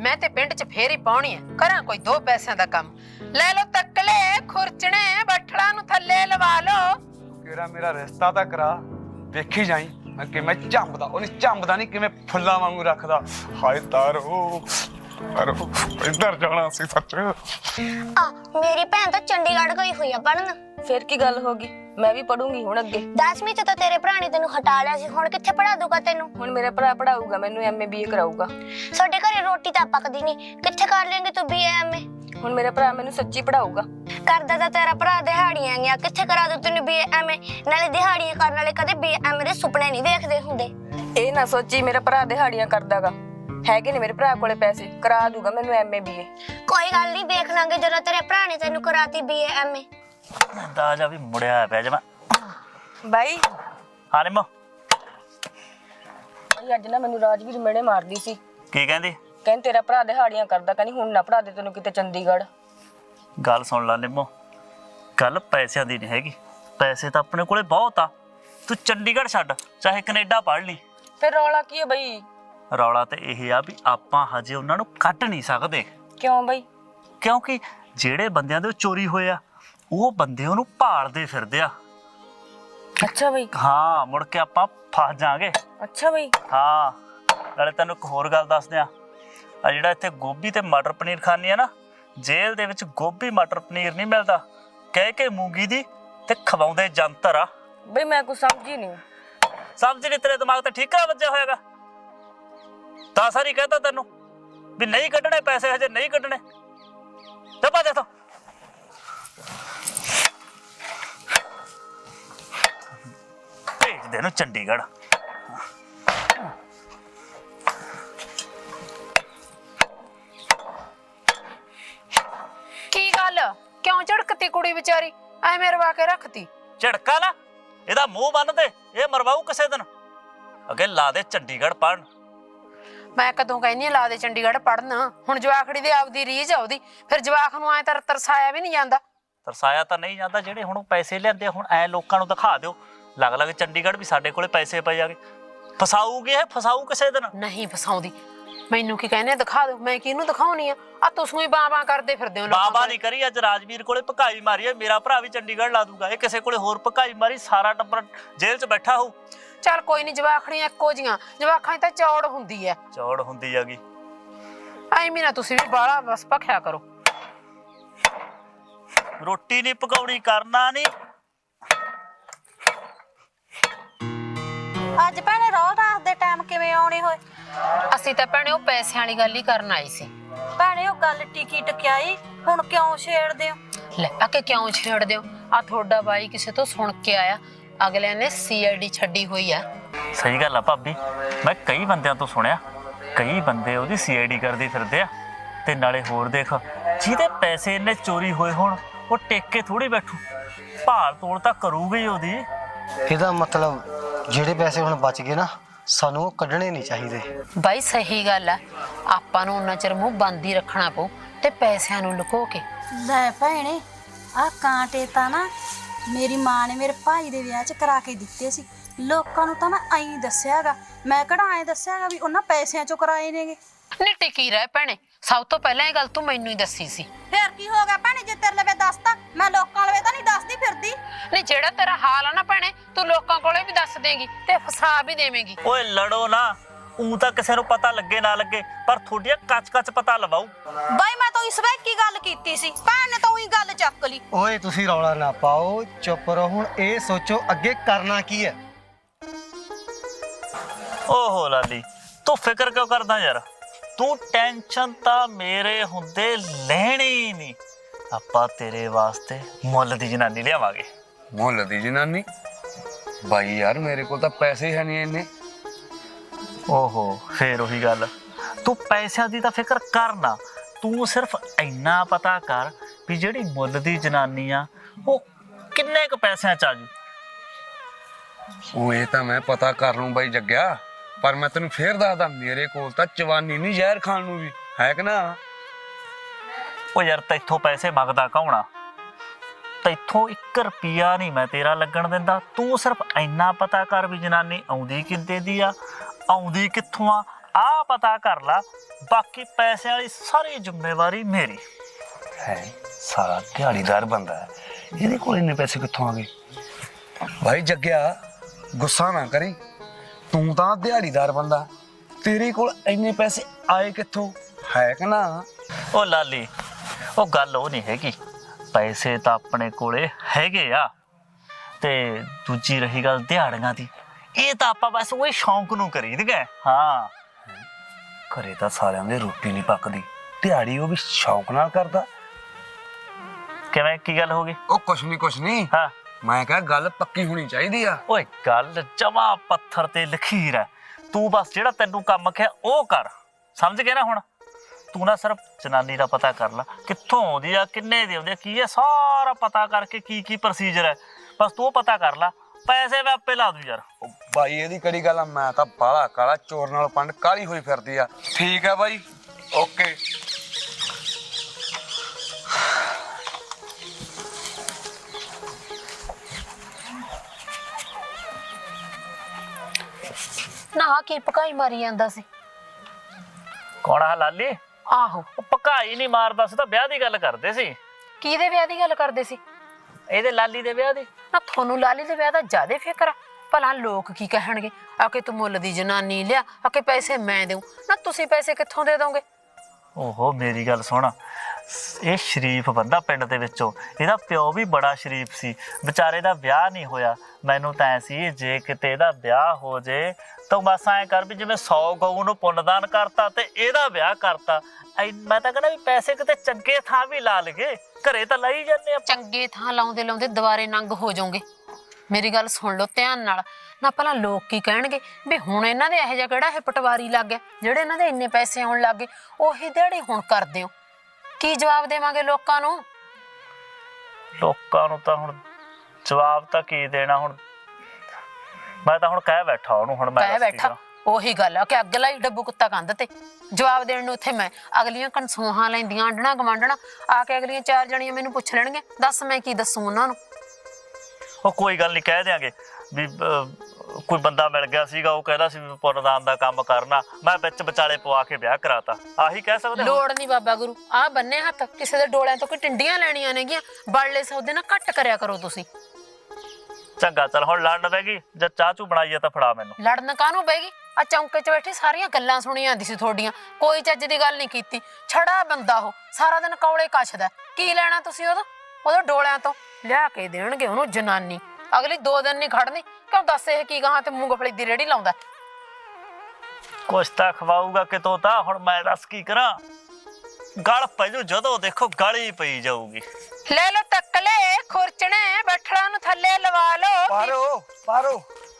A: ਮੈਂ ਤੇ ਪਿੰਡ 'ਚ ਫੇਰ ਹੀ ਪਾਉਣੀ ਐ। ਕਰਾਂ ਕੋਈ 2 ਪੈਸਿਆਂ ਦਾ ਕੰਮ। ਲੈ ਲੋ ਤੱਕਲੇ ਖੁਰਚਣੇ ਬੱਠਲਾਂ ਨੂੰ ਥੱਲੇ ਲਵਾ ਲੋ।
B: ਕਿਹੜਾ ਮੇਰਾ ਰਿਸ਼ਤਾ ਤਾਂ ਕਰਾ, ਵੇਖੀ ਜਾਈ ਮੈਂ ਕਿਵੇਂ ਝੰਬਦਾ। ਉਹਨੇ ਝੰਬਦਾ ਨਹੀਂ, ਕਿਵੇਂ ਫੁੱਲਾਂ ਵਾਂਗੂ ਰੱਖਦਾ। ਹਾਏ ਤਾਰੋ ਤਾਰੋ, ਇੱਧਰ ਜਾਣਾ ਸੀ ਸੱਚ।
H: ਆ ਮੇਰੀ ਭੈਣ ਤਾਂ ਚੰਡੀਗੜ੍ਹ ਗਈ ਹੋਈ ਆ ਪੜਨ।
I: ਫਿਰ ਕੀ ਗੱਲ ਹੋ ਗਈ? ਮੈਂ ਵੀ ਪੜੂੰਗੀ ਹੁਣ ਅੱਗੇ।
H: 10ਵੀਂ ਚ ਤਾਂ ਤੇਰੇ ਭਰਾ ਨੇ ਤੈਨੂੰ ਹਟਾ ਲਿਆ ਸੀ, ਹੁਣ ਕਿੱਥੇ ਪੜਾ ਦੂਗਾ ਤੈਨੂੰ?
I: ਹੁਣ ਮੇਰਾ ਭਰਾ ਪੜਾਊਗਾ ਮੈਨੂੰ, ਐਮਏ ਬੀਏ ਕਰਾਊਗਾ।
H: ਸਾਡੇ ਘਰੇ ਰੋਟੀ ਤਾਂ ਪੱਕਦੀ ਨਹੀਂ, ਕਿੱਥੇ ਕਰ ਲੇਂਗੇ ਤੂੰ ਬੀਏ ਐਮਏ?
I: ਹੁਣ ਮੇਰਾ ਭਰਾ ਮੈਨੂੰ ਸੱਚੀ ਪੜਾਊਗਾ।
H: ਕਰਦਾ ਤਾਂ ਤੇਰਾ ਭਰਾ ਦਿਹਾੜੀਆਂ ਗਿਆ, ਕਿੱਥੇ ਕਰਾ ਦੂ ਤੈਨੂੰ ਬੀਏ ਐਮਏ? ਨਾਲੇ ਦਿਹਾੜੀਆਂ ਕਰਨ ਵਾਲੇ ਕਦੇ ਬੀਏ ਐਮਏ ਦੇ ਸੁਪਨੇ ਨਹੀਂ ਵੇਖਦੇ ਹੁੰਦੇ।
I: ਇਹ ਨਾ ਸੋਚੀ ਮੇਰਾ ਭਰਾ ਦਿਹਾੜੀਆਂ ਕਰਦਾਗਾ, ਹੈਗੇ ਨੇ ਮੇਰੇ ਭਰਾ ਕੋਲੇ ਪੈਸੇ, ਕਰਾ ਦੂਗਾ ਮੈਨੂੰ ਐਮਏ ਬੀਏ।
H: ਕੋਈ ਗੱਲ ਨਹੀਂ, ਵੇਖ ਲਾਂਗੇ ਜਦੋਂ ਤੇਰੇ ਭਰਾ ਨੇ ਤੈਨੂੰ ਕਰਾਤੀ ਬੀਏ ਐਮਏ।
C: ਦਾਜਾ ਵੀ ਮੁੜਿਆ ਪਿਆ ਜਮਾ।
I: ਬਾਈ
C: ਹਾਂ ਨਿੰਮੋ,
I: ਬਾਈ ਅੱਜ ਨਾ ਮੈਨੂੰ ਰਾਜਵੀਰ ਮੇੜੇ ਮਾਰਦੀ ਸੀ।
C: ਕੀ ਕਹਿੰਦੀ?
I: ਕਹਿੰਦੀ ਤੇਰਾ ਭਰਾ ਦਿਹਾੜੀਆਂ ਕਰਦਾ, ਕਹਿੰਦੀ ਹੁਣ ਨਾ ਪੜਾ ਦੇ ਤੈਨੂੰ ਕਿਤੇ ਚੰਡੀਗੜ੍ਹ।
C: ਗੱਲ ਸੁਣ ਲੈ ਨਿੰਮੋ, ਗੱਲ ਪੈਸਿਆਂ ਦੀ ਨਹੀਂ ਹੈਗੀ। ਪੈਸੇ ਤਾਂ ਆਪਣੇ ਕੋਲੇ ਬਹੁਤ ਆ, ਤੂੰ ਚੰਡੀਗੜ੍ਹ ਛੱਡ, ਚਾਹੇ ਕੈਨੇਡਾ ਪੜ੍ਹ ਲਈ।
I: ਫਿਰ ਰੌਲਾ ਕੀ ਹੈ ਬਈ?
C: ਰੌਲਾ ਤੇ ਇਹ ਆ ਵੀ ਆਪਾਂ ਹਜੇ ਉਹਨਾਂ ਨੂੰ ਕੱਢ ਨਹੀਂ ਸਕਦੇ।
I: ਕਿਉਂ ਬਈ?
C: ਕਿਉਂਕਿ ਜਿਹੜੇ ਬੰਦਿਆਂ ਦੇ ਚੋਰੀ ਹੋਏ ਆ, ਉਹ ਬੰਦੇ ਉਹਨੂੰ ਭਾਲਦੇ ਫਿਰਦੇ ਆ।
I: ਅੱਛਾ ਬਈ।
C: ਹਾਂ, ਮੁੜ ਕੇ ਆਪਾਂ ਫਸ ਜਾਾਂਗੇ।
I: ਅੱਛਾ ਬਈ।
C: ਹਾਂ, ਨਾਲੇ ਤੈਨੂੰ ਇੱਕ ਹੋਰ ਗੱਲ ਦੱਸਦੇ ਆ ਜਿਹੜਾ ਇੱਥੇ ਗੋਭੀ ਤੇ ਮਟਰ ਪਨੀਰ ਖਾਂਦੀ ਆ ਨਾ, ਜੇਲ੍ਹ ਦੇ ਵਿੱਚ ਗੋਭੀ ਮਟਰ ਪਨੀਰ ਨਹੀਂ ਮਿਲਦਾ, ਕਹਿ ਕੇ ਮੂੰਗੀ ਦੀ ਤੇ ਖਵਾਉਂਦੇ ਜੰਤਰ ਆ।
I: ਬਈ ਮੈਂ ਕੁਝ ਸਮਝੀ ਨਹੀਂ।
C: ਸਮਝ ਨਹੀਂ? ਤੇਰੇ ਦਿਮਾਗ ਤੇ ਠੀਕਰਾ ਵੱਜਿਆ ਹੋਏਗਾ। ਤਾਂ ਸਾਰੀ ਕਹਤਾ ਤੈਨੂੰ ਵੀ ਨਹੀਂ ਕੱਢਣੇ ਪੈਸੇ, ਹਜੇ ਨਹੀਂ ਕੱਢਣੇ। ਚੱਪਾ ਦੇ ਤੋ ਭੇਜ ਦੇ ਨੂੰ ਚੰਡੀਗੜ੍ਹ।
A: ਕੀ ਗੱਲ, ਕਿਉਂ ਝੜਕਤੀ ਕੁੜੀ ਵਿਚਾਰੀ? ਐਵੇਂ ਰਵਾ ਕੇ ਰੱਖਤੀ।
C: ਝੜਕਾ ਲਾ, ਇਹਦਾ ਮੂੰਹ ਬੰਨ ਦੇ, ਇਹ ਮਰਵਾਊ ਕਿਸੇ ਦਿਨ। ਅੱਗੇ ਲਾ ਦੇ ਚੰਡੀਗੜ੍ਹ ਪੜਨ।
A: ਮੈਂ ਕਦੋਂ ਕਹਿੰਦੀ ਲਾ ਦੇ ਚੰਡੀਗੜ੍ਹ ਪੜਨ। ਹੁਣ ਜਵਾਖੜੀ ਦੇ ਆਪਦੀ ਰੀਝ ਆ ਉਹਦੀ, ਫਿਰ ਜਵਾਖ ਨੂੰ ਐ ਤਰਸਾਇਆ ਵੀ ਨਹੀਂ ਜਾਂਦਾ।
C: ਤਰਸਾਇਆ ਤਾਂ ਨਹੀਂ ਜਾਂਦਾ, ਜਿਹੜੇ ਹੁਣ ਪੈਸੇ ਲਿਆਂਦੇ ਹੁਣ ਐ ਲੋਕਾਂ ਨੂੰ ਦਿਖਾ ਦਿਓ, ਲੱਗ ਲੱਗ ਚੰਡੀਗੜ੍ਹ ਵੀ ਸਾਡੇ ਕੋਲੇ ਪੈਸੇ ਪਏ ਜਾਗੇ। ਫਸਾਊਗੀ ਇਹ, ਫਸਾਊ ਕਿਸੇ ਦਿਨ।
A: ਨਹੀਂ ਫਸਾਉਂਦੀ। ਮੈਨੂੰ ਕੀ ਕਹਿੰਦੇ, ਦਿਖਾ ਦਿਓ। ਮੈਂ ਕਿਹਨੂੰ ਦਿਖਾਉਣੀ ਆ ਤੁਸੀਂ ਹੀ ਬਾਬਾ ਕਰਦੇ ਫਿਰਦੇ ਹੋ।
C: ਬਾਬਾ ਨਹੀਂ ਕਰੀ, ਅੱਜ ਰਾਜਵੀਰ ਕੋਲੇ ਭਕਾਈ ਮਾਰੀ ਹੈ। ਮੇਰਾ ਭਰਾ ਵੀ ਚੰਡੀਗੜ੍ਹ ਲਾ ਦੂਗਾ, ਇਹ ਕਿਸੇ ਕੋਲੇ ਹੋਰ ਭਕਾਈ ਮਾਰੀ, ਸਾਰਾ ਟੱਬਰ ਜੇਲ੍ਹ 'ਚ ਬੈਠਾ ਹੋਊ।
A: ਚੱਲ ਕੋਈ ਨਹੀਂ, ਜਵਾਖੜੀਆਂ ਇੱਕੋ ਜੀਆਂ, ਜਵਾਖਾਂ 'ਚ ਤਾਂ ਚੌੜ ਹੁੰਦੀ ਐ।
C: ਚੌੜ ਹੁੰਦੀ ਹੈਗੀ।
A: ਐਵੇਂ ਨਾ ਤੁਸੀਂ ਵੀ ਬਾਹਲਾ ਬਸ ਭਖਿਆ ਕਰੋ।
C: ਰੋਟੀ ਨਹੀਂ ਪਕਾਉਣੀ, ਕਰਨਾ ਨਹੀਂ।
D: ਅੱਜ ਭੈਣੇ ਰੋਜ਼ ਰਾਤ ਦੇ ਟਾਈਮ ਕਿਵੇਂ ਆਉਣੇ ਹੋਏ?
A: ਅਸੀਂ ਤਾਂ ਭੈਣੇ ਉਹ ਪੈਸਿਆਂ ਵਾਲੀ ਗੱਲ ਹੀ ਕਰਨ ਆਈ ਸੀ।
D: ਭੈਣੇ ਉਹ ਗੱਲ ਟਿਕੀ ਟਕਿਆਈ ਹੁਣ ਕਿਉਂ ਛੇੜਦੇ ਹੋ?
A: ਲੈ ਆ ਕੇ ਕਿਉਂ ਛੇੜਦੇ ਹੋ? ਆ ਤੁਹਾਡਾ ਬਾਈ ਕਿਸੇ ਤੋਂ ਸੁਣ ਕੇ ਆਇਆ, ਅਗਲਿਆਂ ਨੇ ਸੀਆਈਡੀ ਛੱਡੀ ਹੋਈ ਆ।
C: ਸਹੀ ਗੱਲ ਆ ਭਾਬੀ, ਮੈਂ ਕਈ ਬੰਦਿਆਂ ਤੋਂ ਸੁਣਿਆ, ਕਈ ਬੰਦੇ ਉਹਦੀ ਸੀਆਈਡੀ ਕਰਦੇ ਫਿਰਦੇ ਆ। ਤੇ ਨਾਲੇ ਹੋਰ ਦੇਖ, ਜਿਹਦੇ ਪੈਸੇ ਇੰਨੇ ਚੋਰੀ ਹੋਏ ਹੋਣ, ਉਹ ਟੇਕ ਕੇ ਥੋੜੀ ਬੈਠੂ, ਭਾਲ ਤੋੜ ਤਾਂ ਕਰੂਗੀ ਉਹਦੀ।
E: ਇਹਦਾ ਮਤਲਬ ਜਿਹੜੇ ਪੈਸੇ ਹੁਣ ਬਚ ਗਏ ਨਾ, ਸਾਨੂੰ ਉਹ ਕੱਢਣੇ ਨਹੀਂ ਚਾਹੀਦੇ।
A: ਬਾਈ ਸਹੀ ਗੱਲ ਆ, ਆਪਾਂ ਨੂੰ ਉਹਨਾਂ ਚਿਰ ਮੂੰਹ ਬੰਦ ਹੀ ਰੱਖਣਾ ਪਊ ਤੇ ਪੈਸਿਆਂ ਨੂੰ ਲੁਕੋ ਕੇ।
D: ਲੈ ਭੈਣੇ, ਆਹ ਕਾਂਟੇ ਤਾਂ ਨਾ ਮੇਰੀ ਮਾਂ ਨੇ ਮੇਰੇ ਭਾਈ ਦੇ ਵਿਆਹ 'ਚ ਕਰਾ ਕੇ ਦਿੱਤੇ ਸੀ। ਲੋਕਾਂ ਨੂੰ ਤਾਂ ਮੈਂ ਐਂ ਦੱਸਿਆਗਾ, ਮੈਂ ਕਿਹੜਾ ਐਂ ਦੱਸਿਆਗਾ ਵੀ ਉਹਨਾਂ ਪੈਸਿਆਂ 'ਚੋਂ ਕਰਾਏ ਨੇਗੇ।
A: ਨਹੀਂ ਟਿਕੀ ਰਹਿ ਭੈਣੇ, ਸਭ ਤੋਂ ਪਹਿਲਾਂ ਇਹ ਗੱਲ ਤੂੰ ਮੈਨੂੰ ਹੀ ਦੱਸੀ ਸੀ।
D: ਫੇਰ ਕੀ ਹੋ ਗਿਆ ਭੈਣੇ, ਜੇ ਤੇਰੇ ਲਵੇ ਦੱਸਤਾ? ਮੈਂ ਲੋਕਾਂ ਲਵੇ ਤਾਂ ਨਹੀਂ ਦੱਸਦੀ ਫਿਰਦੀ।
A: ਨਹੀਂ ਜਿਹੜਾ ਤੇਰਾ ਹਾਲ ਆ ਨਾ ਭੈਣੇ, ਤੂੰ ਲੋਕਾਂ ਕੋਲੇ ਵੀ ਦੱਸ ਦੇਂਗੀ ਤੇ ਫਸਾ ਵੀ ਦੇਵੇਂਗੀ।
C: ਓਏ ਲੜੋ ਨਾ, ਊਂ ਤਾਂ ਕਿਸੇ ਨੂੰ ਪਤਾ ਲੱਗੇ ਨਾ ਲੱਗੇ, ਪਰ ਤੁਹਾਡੀਆਂ ਕੱਚ ਪਤਾ ਲਵਾਊ।
D: ਬਾਈ ਮੈਂ ਤਾਂ ਇਸ ਵੇਲੇ ਕੀ ਗੱਲ ਕੀਤੀ ਸੀ, ਭੈਣ ਨੇ ਤਾਂ ਉਹੀ ਗੱਲ ਚੱਕ ਲਈ।
E: ਓਏ ਤੁਸੀਂ ਰੌਲਾ ਨਾ ਪਾਓ, ਚੁੱਪ ਰਹੋ। ਹੁਣ ਇਹ ਸੋਚੋ ਅੱਗੇ ਕਰਨਾ ਕੀ ਹੈ।
C: ਓਹੋ ਲਾਲੀ, ਤੂੰ ਫਿਕਰ ਕਿਉਂ ਕਰਦਾ ਯਾਰ? ਤੂੰ ਟੈਨਸ਼ਨ ਤਾਂ ਮੇਰੇ ਹੁੰਦੇ ਲੈਣੀ ਨਹੀਂ। ਆਪਾਂ ਤੇਰੇ ਵਾਸਤੇ ਮੁੱਲ ਦੀ ਜਨਾਨੀ ਲਿਆਵਾਂਗੇ।
B: ਮੁੱਲ ਦੀ ਜਨਾਨੀ? ਬਾਈ ਯਾਰ ਮੇਰੇ ਕੋਲ ਤਾਂ ਪੈਸੇ ਹੀ ਹੈ ਨਹੀਂ ਇੰਨੇ।
C: ਓਹੋ, ਫੇਰ ਉਹੀ ਗੱਲ, ਤੂੰ ਪੈਸਿਆਂ ਦੀ ਤਾਂ ਫਿਕਰ ਕਰ ਨਾ, ਤੂੰ ਸਿਰਫ ਇੰਨਾ ਪਤਾ ਕਰ ਵੀ ਜਿਹੜੀ ਮੁੱਲ ਦੀ ਜਨਾਨੀ ਆ ਉਹ ਕਿੰਨੇ ਕੁ ਪੈਸਿਆਂ 'ਚ ਆਜੂ।
B: ਉਹ ਇਹ ਤਾਂ ਮੈਂ ਪਤਾ ਕਰ ਲੂੰ ਬਾਈ ਜੱਗਿਆ, ਪਰ ਮੈਂ ਤੈਨੂੰ ਫੇਰ ਦੱਸਦਾ, ਮੇਰੇ ਕੋਲ ਤਾਂ ਚਵਾਨੀ ਨਹੀਂ ਜ਼ਹਿਰ ਖਾਣ ਨੂੰ ਵੀ ਹੈ ਕਿ ਨਾ।
C: ਉਹ ਯਾਰ ਤੈਥੋਂ ਪੈਸੇ ਮੰਗਦਾ ਕੌਣ ਆ? ਤੈਥੋਂ 1 ਰੁਪਿਆ ਨਹੀਂ ਮੈਂ ਤੇਰਾ ਲੱਗਣ ਦਿੰਦਾ। ਤੂੰ ਸਿਰਫ ਇੰਨਾ ਪਤਾ ਕਰ ਵੀ ਜਨਾਨੀ ਆਉਂਦੀ ਕਿੰਦੇ ਦੀ ਆ, ਆਉਂਦੀ ਕਿੱਥੋਂ ਆ, ਆਹ ਆਹ ਪਤਾ ਕਰ ਲਾ, ਬਾਕੀ ਪੈਸਿਆਂ ਵਾਲੀ ਸਾਰੀ ਜ਼ਿੰਮੇਵਾਰੀ ਮੇਰੀ
B: ਹੈ। ਸਾਰਾ ਦਿਹਾੜੀਦਾਰ ਬੰਦਾ ਹੈ, ਇਹਦੇ ਕੋਲ ਇੰਨੇ ਪੈਸੇ ਕਿੱਥੋਂ ਆ ਗਏ? ਭਾਈ ਜੱਗਿਆ, ਗੁੱਸਾ ਨਾ ਕਰੀ, ਤੂੰ ਤਾਂ ਦਿਹਾੜੀਦਾਰ ਬੰਦਾ, ਤੇਰੇ ਕੋਲ ਇੰਨੇ ਪੈਸੇ ਆਏ ਕਿੱਥੋਂ? ਹੈ ਕਿ ਨਾ?
C: ਉਹ ਲਾਲੀ, ਉਹ ਗੱਲ ਉਹ ਨਹੀਂ ਹੈਗੀ, ਪੈਸੇ ਤਾਂ ਆਪਣੇ ਕੋਲੇ ਹੈਗੇ ਆ, ਤੇ ਦੂਜੀ ਰਹੀ ਗੱਲ ਦਿਹਾੜੀਆਂ ਦੀ, ਇਹ ਤਾਂ ਆਪਾਂ ਬਸ ਉਹ ਸ਼ੌਂਕ ਨੂੰ ਕਰੀਦੇ। ਹਾਂ,
B: ਘਰੇ ਤਾਂ ਸਾਰਿਆਂ ਦੇ ਰੋਟੀ ਨਹੀਂ ਪੱਕਦੀ, ਦਿਹਾੜੀ ਉਹ ਵੀ ਸ਼ੌਂਕ ਨਾਲ ਕਰਦਾ।
C: ਕਿਵੇਂ, ਕੀ ਗੱਲ ਹੋ ਗਈ?
B: ਉਹ ਕੁਛ ਨਹੀਂ
C: ਹਾਂ,
B: ਮੈਂ ਕਿਹਾ ਗੱਲ ਪੱਕੀ ਹੋਣੀ ਚਾਹੀਦੀ ਆ।
C: ਓਏ ਗੱਲ ਜਮਾ ਪੱਥਰ ਤੇ ਲਖੀਰ ਹੈ, ਤੂੰ ਬਸ ਜਿਹੜਾ ਤੈਨੂੰ ਕੰਮ ਕਿਹਾ ਉਹ ਕਰ, ਸਮਝ ਗਿਆ ਨਾ? ਹੁਣ ਤੂੰ ਨਾ ਸਿਰਫ ਜਨਾਨੀ ਦਾ ਪਤਾ ਕਰ ਲੈ, ਕਿੱਥੋਂ ਆਉਂਦੀ ਆ, ਕਿੰਨੇ ਦੀ ਆਉਂਦੀ ਆ, ਕੀ ਹੈ, ਸਾਰਾ ਪਤਾ ਕਰਕੇ ਕੀ ਪ੍ਰੋਸੀਜਰ ਹੈ, ਬਸ ਤੂੰ ਉਹ ਪਤਾ ਕਰ ਲੈ, ਪੈਸੇ ਮੈਂ ਆਪੇ ਲਾ ਦੂੰ ਯਾਰ।
B: ਉਹ ਬਾਈ ਇਹਦੀ ਕਿਹੜੀ ਗੱਲ ਆ, ਮੈਂ ਤਾਂ ਬਾਹਲਾ ਕਾਲਾ, ਚੋਰ ਨਾਲ ਪੰਡ ਕਾਲੀ ਹੋਈ ਫਿਰਦੀ ਆ। ਠੀਕ ਆ ਬਾਈ, ਓਕੇ।
A: ਨਾ ਕੀ ਪਕਾਈ ਮਾਰੀ ਜਾਂਦਾ ਸੀ?
C: ਕੌਣ ਆ ਲਾਲੀ?
A: ਆਹੋ,
C: ਉਹ ਪਕਾਈ ਨਹੀਂ ਮਾਰਦਾ ਸੀ, ਤਾਂ ਵਿਆਹ ਦੀ ਗੱਲ ਕਰਦੇ ਸੀ।
A: ਕਿਹਦੇ ਵਿਆਹ ਦੀ ਗੱਲ ਕਰਦੇ ਸੀ?
C: ਇਹਦੇ ਲਾਲੀ ਦੇ ਵਿਆਹ ਦੀ।
A: ਨਾ ਤੁਹਾਨੂੰ ਲਾਲੀ ਦੇ ਵਿਆਹ ਦਾ ਜ਼ਿਆਦਾ ਫਿਕਰ ਆ? ਭਲਾ ਲੋਕ ਕੀ ਕਹਿਣਗੇ? ਆ ਕੇ ਤੂੰ ਮੁੱਲ ਦੀ ਜਨਾਨੀ ਲਿਆ, ਆ ਕੇ ਪੈਸੇ ਮੈਂ ਦੇਉ ਨਾ, ਤੁਸੀਂ ਪੈਸੇ ਕਿੱਥੋਂ ਦੇ ਦੋਗੇ?
C: ਓਹੋ ਮੇਰੀ ਗੱਲ ਸੁਣ, ਇਹ ਸ਼ਰੀਫ ਬੰਦਾ ਪਿੰਡ ਦੇ ਵਿੱਚੋਂ, ਇਹਦਾ ਪਿਓ ਵੀ ਬੜਾ ਸ਼ਰੀਫ ਸੀ, ਵਿਚਾਰੇ ਦਾ ਵਿਆਹ ਨਹੀਂ ਹੋਇਆ। ਮੈਨੂੰ ਤਾਂ ਐ ਸੀ ਜੇ ਕਿਤੇ ਇਹਦਾ ਵਿਆਹ ਹੋ ਜੇ ਤਾਂ ਬਸ ਐਂ ਕਰ ਵੀ ਜਿਵੇਂ 100 ਗਊ ਨੂੰ ਪੁੰਨਦਾਨ ਕਰਤਾ ਤੇ ਇਹਦਾ ਵਿਆਹ ਕਰਤਾ। ਮੈਂ ਤਾਂ ਕਹਿੰਦਾ ਵੀ ਪੈਸੇ ਕਿਤੇ ਚੰਗੇ ਥਾਂ ਵੀ ਲਾ ਲਈਏ, ਘਰੇ ਤਾਂ ਲਾਈ ਜਾਂਦੇ ਆ।
A: ਚੰਗੇ ਥਾਂ ਲਾਉਂਦੇ ਲਾਉਂਦੇ ਦੁਬਾਰੇ ਨੰਗ ਹੋ ਜਾਓਗੇ। ਮੇਰੀ ਗੱਲ ਸੁਣ ਲਓ ਧਿਆਨ ਨਾਲ, ਨਾ ਭਲਾ ਲੋਕ ਕੀ ਕਹਿਣਗੇ ਵੀ ਹੁਣ ਇਹਨਾਂ ਦੇ ਇਹੋ ਜਿਹਾ ਕਿਹੜਾ ਇਹ ਪਟਵਾਰੀ ਲੱਗ ਗਿਆ ਜਿਹੜੇ ਇਹਨਾਂ ਦੇ ਇੰਨੇ ਪੈਸੇ ਆਉਣ ਲੱਗ ਗਏ, ਉਹੀ ਦਿਹਾੜੀ ਹੁਣ ਕਰਦੇ ਹੋ। ਕੀ ਜਵਾਬ ਦੇਵਾਂਗੇ ਲੋਕਾਂ ਨੂੰ?
C: ਲੋਕਾਂ ਨੂੰ ਤਾਂ ਹੁਣ ਜਵਾਬ ਤਾਂ ਕੀ ਦੇਣਾ, ਹੁਣ ਮੈਂ ਤਾਂ ਹੁਣ ਕਹਿ ਬੈਠਾ ਉਹਨੂੰ, ਹੁਣ ਮੈਂ
A: ਕਹਿ ਬੈਠਾ, ਉਹੀ ਗੱਲ ਆ ਕਿ ਅੱਗ ਲਾਈ ਡੱਬੂ ਕੁੱਤਾ ਕੰਧ ਤੇ। ਜਵਾਬ ਦੇਣ ਨੂੰ ਉੱਥੇ ਮੈਂ, ਅਗਲੀਆਂ ਕਨਸੂਹਾਂ ਲੈਂਦੀਆਂ ਆਂਢਣਾ ਗਵਾਂਢਣਾ ਆ ਕੇ, ਅਗਲੀਆਂ 4 ਜਣੀਆਂ ਮੈਨੂੰ ਪੁੱਛ ਲੈਣਗੀਆਂ, ਦੱਸ ਮੈਂ ਕੀ ਦੱਸੂ ਉਹਨਾਂ ਨੂੰ?
C: ਉਹ ਕੋਈ ਗੱਲ ਨਹੀਂ, ਕਹਿ ਦਿਆਂਗੇ ਵੀ ਕੋਈ ਬੰਦਾ ਮਿਲ ਗਿਆ ਸੀਗਾ, ਉਹ ਕਹਿੰਦਾ ਸੀ ਵੀ ਪੁੰਨਦਾਨ ਦਾ ਕੰਮ ਕਰਨਾ, ਮੈਂ ਵਿੱਚ ਵਿਚਾਲੇ ਪਵਾ ਕੇ ਵਿਆਹ ਕਰਾਤਾ, ਆਹੀ ਕਹਿ ਸਕਦੇ।
A: ਲੋੜ ਨਹੀਂ ਬਾਬਾ ਗੁਰੂ, ਆਹ ਬੰਨੇ ਹੱਥ, ਕਿਸੇ ਦੇ ਡੋਲਿਆਂ ਤੋਂ ਕੋਈ ਟਿੰਡੀਆਂ ਲੈਣੀਆਂ ਨੇਗੀਆਂ, ਬੜਲੇ ਸੌਦੇ ਨਾਲ ਘੱਟ ਕਰਿਆ ਕਰੋ ਤੁਸੀਂ।
C: ਚੰਗਾ ਚੱਲ, ਹੁਣ ਲੜਨ ਪੈ ਗਈ, ਜਦ ਚਾਹ ਚੂ ਬਣਾਈਏ ਤਾਂ ਫੜਾ ਮੈਨੂੰ।
A: ਲੜਨ ਕਾਹਨੂੰ ਬੈਗੀ? ਆ ਚੌਂਕੇ 'ਚ ਬੈਠੀ ਸਾਰੀਆਂ ਗੱਲਾਂ ਸੁਣੀ ਜਾਂਦੀ ਸੀ ਤੁਹਾਡੀਆਂ, ਕੋਈ ਚੱਜ ਦੀ ਗੱਲ ਨਹੀਂ ਕੀਤੀ। ਛੜਾ ਬੰਦਾ ਉਹ, ਸਾਰਾ ਦਿਨ ਕੌਲੇ ਕੱਛਦਾ, ਕੀ ਲੈਣਾ ਤੁਸੀਂ ਉਹਦੇ ਡੋਲਿਆਂ ਤੋਂ? ਲਿਆ ਕੇ ਦੇਣਗੇ ਉਹਨੂੰ ਜਨਾਨੀ, ਅਗਲੀ 2 ਦਿਨ ਨਹੀਂ ਖੜਨੀ। ਕਿਉਂ ਦੱਸ ਇਹ ਕੀ ਗਾਹਾਂ ਤੇ ਮੂੰਗਫਲੀ ਦੀ ਰੇੜੀ ਲਾਉਂਦਾ?
C: ਕੁਛ ਤਾਂ ਖਵਾਊਗਾ ਕਿਤੋਂ ਤਾਂ, ਹੁਣ ਮੈਂ ਦੱਸ ਕੀ ਕਰਾਂ? ਗਲ ਪੈ ਜੂ, ਜਦੋਂ ਦੇਖੋ ਗਲ ਹੀ ਪਈ ਜਾਊਗੀ।
A: ਲੈ ਲੋ ਤੱਕਲੇ ਖੁਰਚਣੇ, ਬੱਠਲਾਂ ਨੂੰ ਥੱਲੇ ਲਵਾ ਲੋ।
B: ਪਾਰੋ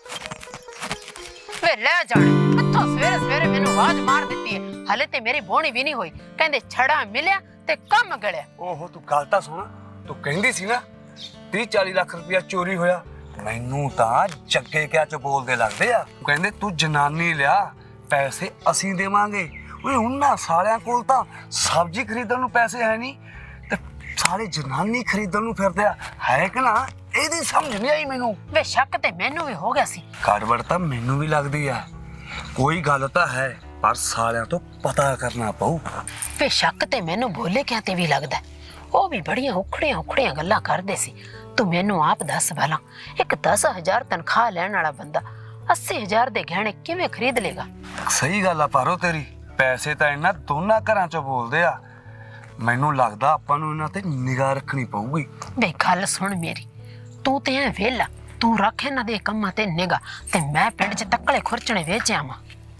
A: ਵੇ ਲੈ ਜਾਣ, ਕਿੱਥੋਂ ਸਵੇਰੇ ਸਵੇਰੇ ਮੈਨੂੰ ਆਵਾਜ਼ ਮਾਰ ਦਿੱਤੀ ਹੈ, ਹਲੇ ਤੇ ਮੇਰੀ ਬੋਣੀ ਵੀ ਨਹੀਂ ਹੋਈ, ਕਹਿੰਦੇ ਛੜਾ ਮਿਲਿਆ ਤੇ ਕੰਮ ਗਲਿਆ।
B: ਓਹੋ ਤੂੰ ਗੱਲ ਤਾਂ ਸੁਣ, ਤੂੰ ਕਹਿੰਦੀ ਸੀ ਨਾ 30-40 ਲੱਖ ਰੁਪਇਆ ਚੋਰੀ ਹੋਇਆ, ਮੈਨੂੰ ਤਾਂ ਜੱਗੇ ਕਿਆ ਚ ਬੋਲਦੇ ਲੱਗਦੇ ਆ। ਕਹਿੰਦੇ ਤੂੰ ਜਨਾਨੀ ਲਿਆ, ਪੈਸੇ ਅਸੀਂ ਦੇਵਾਂਗੇ। ਓਏ ਉਹਨਾਂ ਸਾਰਿਆਂ ਕੋਲ ਤਾਂ ਸਬਜ਼ੀ ਖਰੀਦਣ ਨੂੰ ਪੈਸੇ ਹੈ ਨਹੀਂ, ਤੇ ਸਾਰੇ ਜਨਾਨੀ ਖਰੀਦਣ ਨੂੰ ਫਿਰਦੇ ਆ, ਹੈ ਕਿ ਨਾ? ਇਹਦੀ ਸਮਝ ਨਹੀਂ ਆਈ ਮੈਨੂੰ।
A: ਵੇ ਸ਼ੱਕ ਤੇ ਮੈਨੂੰ ਵੀ ਹੋ ਗਿਆ ਸੀ।
B: ਗੜਬੜ ਤਾਂ ਮੈਨੂੰ ਵੀ ਲੱਗਦੀ ਆ, ਕੋਈ ਗੱਲ ਤਾਂ ਹੈ, ਪਰ ਸਾਰਿਆਂ ਤੋਂ ਪਤਾ ਕਰਨਾ ਪਊ।
A: ਵੇ ਸ਼ੱਕ ਤੇ ਮੈਨੂੰ ਭੋਲੇ ਕਿਆਂ ਤੇ ਵੀ ਲੱਗਦਾ, ਉਹ ਵੀ ਬੜੀਆਂ ਉਖੜੀਆਂ ਗੱਲਾਂ ਕਰਦੇ ਸੀ। ਤੂੰ ਮੈਨੂੰ ਆਪ ਦੱਸ ਭਲਾ, ਇੱਕ 10,000 ਤਨਖਾਹ ਲੈਣ ਵਾਲਾ ਬੰਦਾ 80,000 ਦੇ ਗਹਿਣੇ ਕਿਵੇਂ ਖਰੀਦ ਲੇਗਾ?
B: ਸਹੀ ਗੱਲ ਆ ਪਾਰੋ ਤੇਰੀ, ਪੈਸੇ ਤਾਂ ਇਹਨਾਂ ਦੋਨਾਂ ਘਰਾਂ ਚੋਂ ਬੋਲਦੇ ਆ। ਮੈਨੂੰ ਲੱਗਦਾ ਆਪਾਂ ਨੂੰ ਇਹਨਾਂ ਤੇ ਨਿਗਾਹ ਰੱਖਣੀ ਪਊਗੀ।
A: ਵੇ ਗੱਲ ਸੁਣ ਮੇਰੀ, ਤੂੰ ਤੇ ਐ ਵੇਲਾ, ਤੂੰ ਰੱਖ ਇਹਨਾਂ ਦੇ ਕੰਮਾਂ ਤੇ ਨਿਗਾਹ, ਤੇ ਮੈਂ ਪਿੰਡ 'ਚ ਤੱਕਲੇ ਖੁਰਚਣੇ ਵੇਚ ਆਵਾਂ।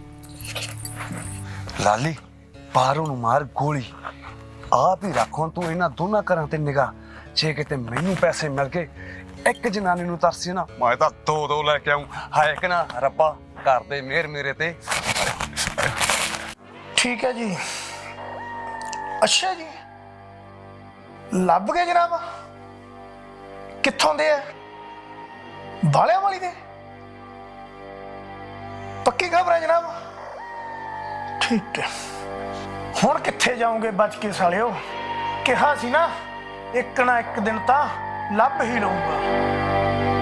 B: ਲਾਲੀ, ਪਾਰੋ ਨੂੰ ਮਾਰ ਗੋਲੀ, ਆਪ ਹੀ ਰੱਖੋ ਤੂੰ ਇਹਨਾਂ ਦੋਨਾਂ ਘਰਾਂ ਤੇ ਨਿਗਾਹ। ਜੇ ਕਿਤੇ ਮੈਨੂੰ ਪੈਸੇ ਮਿਲ ਗਏ, ਇੱਕ ਜਨਾਨੀ ਨੂੰ ਤਰਸੀ ਨਾ, ਮੈਂ ਤਾਂ 2 ਲੈ ਕੇ ਆਊਂ। ਹਾਏ ਕਿ ਨਾ ਰੱਬਾ, ਕਰਦੇ ਮਿਹਰ ਮੇਰੇ ਤੇ।
G: ਠੀਕ ਹੈ ਜੀ। ਅੱਛਾ ਜੀ, ਲੱਭ ਗਏ ਜਨਾਬ? ਕਿੱਥੋਂ ਦੇ ਆ? ਬਾਲਿਆਂ ਵਾਲੀ ਦੇ? ਪੱਕੀ ਖਬਰ ਹੈ ਜਨਾਬ? ਠੀਕ ਹੈ। ਹੁਣ ਕਿੱਥੇ ਜਾਓਗੇ ਬਚ ਕੇ ਸਾਲਿਓ? ਕਿਹਾ ਸੀ ਨਾ ਇੱਕ ਨਾ ਇੱਕ ਦਿਨ ਤਾਂ ਲੱਭ ਹੀ ਲਊਗਾ।